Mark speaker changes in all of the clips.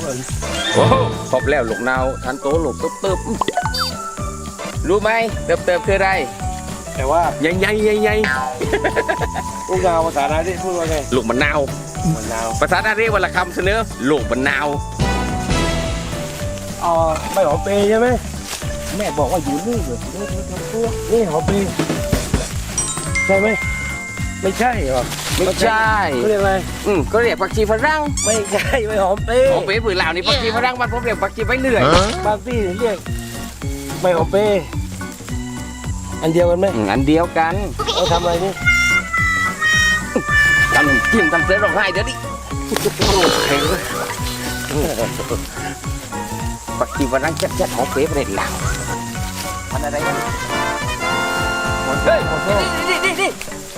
Speaker 1: โอ้ครบแล้วลูกนาวทันโตลูกตึบรู้ไหมเติบคืออะไร
Speaker 2: แต่ว่า
Speaker 1: ใหญ่
Speaker 2: ลูกนาวภาษาไทยที่พูดว่าไง
Speaker 1: ลูกมะนาวภาษาไทยเรียกว่าละคำเสนอลูกมะนาว
Speaker 2: ไม่หอมเปย์ใช่ไหมแม่บอกว่าอยู่นี่เหรอนี่หอมเปย์ใช่ไหมไม่ใช่หรอ
Speaker 1: ไม่ใช่
Speaker 2: เขาเรียกอะไร
Speaker 1: ก็เรียกผักชีฝรั่ง
Speaker 2: ไม่ใช่ไม่หอมเปย์
Speaker 1: หอมเปย์ผืนเหล่านี่ผักชีฝรั่งมันผมเรียกผักชีใบเลื่อย
Speaker 2: บางที่เรียกไม่หอมเปย์อันเดียวกันไหม
Speaker 1: อันเดียวกัน
Speaker 2: เราทำอะไรนี่
Speaker 1: ทำจิ้มทำเสือร้องไห้เดี๋ยวนี้ปักกีวันนั้นจัดหอมเปย์ประเด็นเหล่ามันอะไรกันเฮ้ยนี่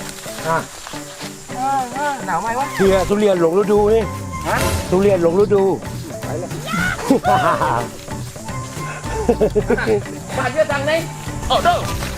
Speaker 1: หนาวไหมวะ
Speaker 2: เฮียทุเรียนหลงฤดูนี่
Speaker 1: ฮะ
Speaker 2: ทุเรียนหลงฤดู
Speaker 1: ไปเลยมาเยอะจังเลยโอ้โห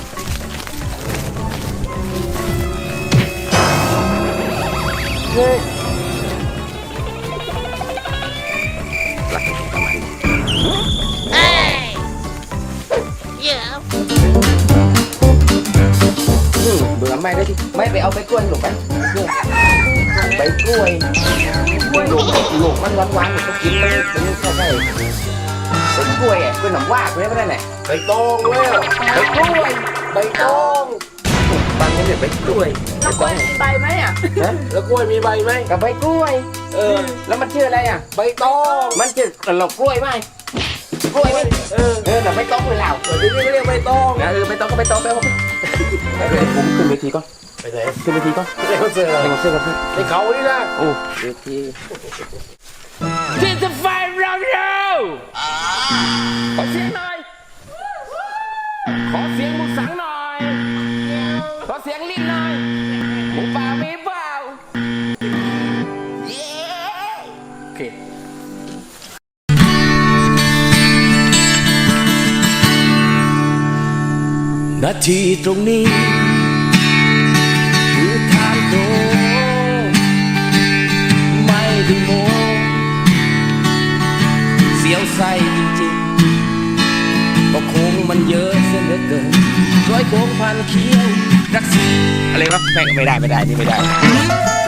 Speaker 1: เบื่อไม่ได้ที่ไม่ไปเอาไปกล้วยหลงไปไปกล้วยหลงมันหวานๆก็กินไม่เข้าไปไปกล้วยอ่ะกล้วยหนำว่ากล้วยไม่ได้ไหน
Speaker 2: ใบตองเว้ย
Speaker 1: ไปกล้วย
Speaker 2: ใบตอง
Speaker 1: บางคนเรียกใบกล้วย
Speaker 3: แล้วกล้วยมีใบไหมอ่ะ
Speaker 2: แล้วกล้วยมีใบไหม
Speaker 1: กับใบกล้วยแล้วมันชื่ออะไรอ่ะ
Speaker 2: ใบตอง
Speaker 1: มันชื่อหลอกกล้วยไหมกล้วยไหมแต่ใบตองเลยเหล่า
Speaker 2: ที่นี่เรียกใบตอง
Speaker 1: ใบตองก็ใบตองไปผมขึ้นเวทีก่อน
Speaker 2: ไปไหน
Speaker 1: ขึ้นเวทีก่อน
Speaker 2: ในคอนเสิร์ต
Speaker 1: กับพี่
Speaker 2: ในเขานี่นะ
Speaker 1: โอ้เวทีที่จะไฟเราขอเสียงหน่อยขอเสียงมุสังหน่อยขอเสียงลิ้นหน่อยหมูป่ามีเปล่าโอเค
Speaker 2: นาทีตรงนี้คือทางตรงไม่ได้โมเสียวไส้จริงๆก็คงมันเยอะเสียเหลือเกินร้อยโค้งพันเคี้ยวรักษา
Speaker 1: อะไรวะไม่ได้นี่ไม่ได้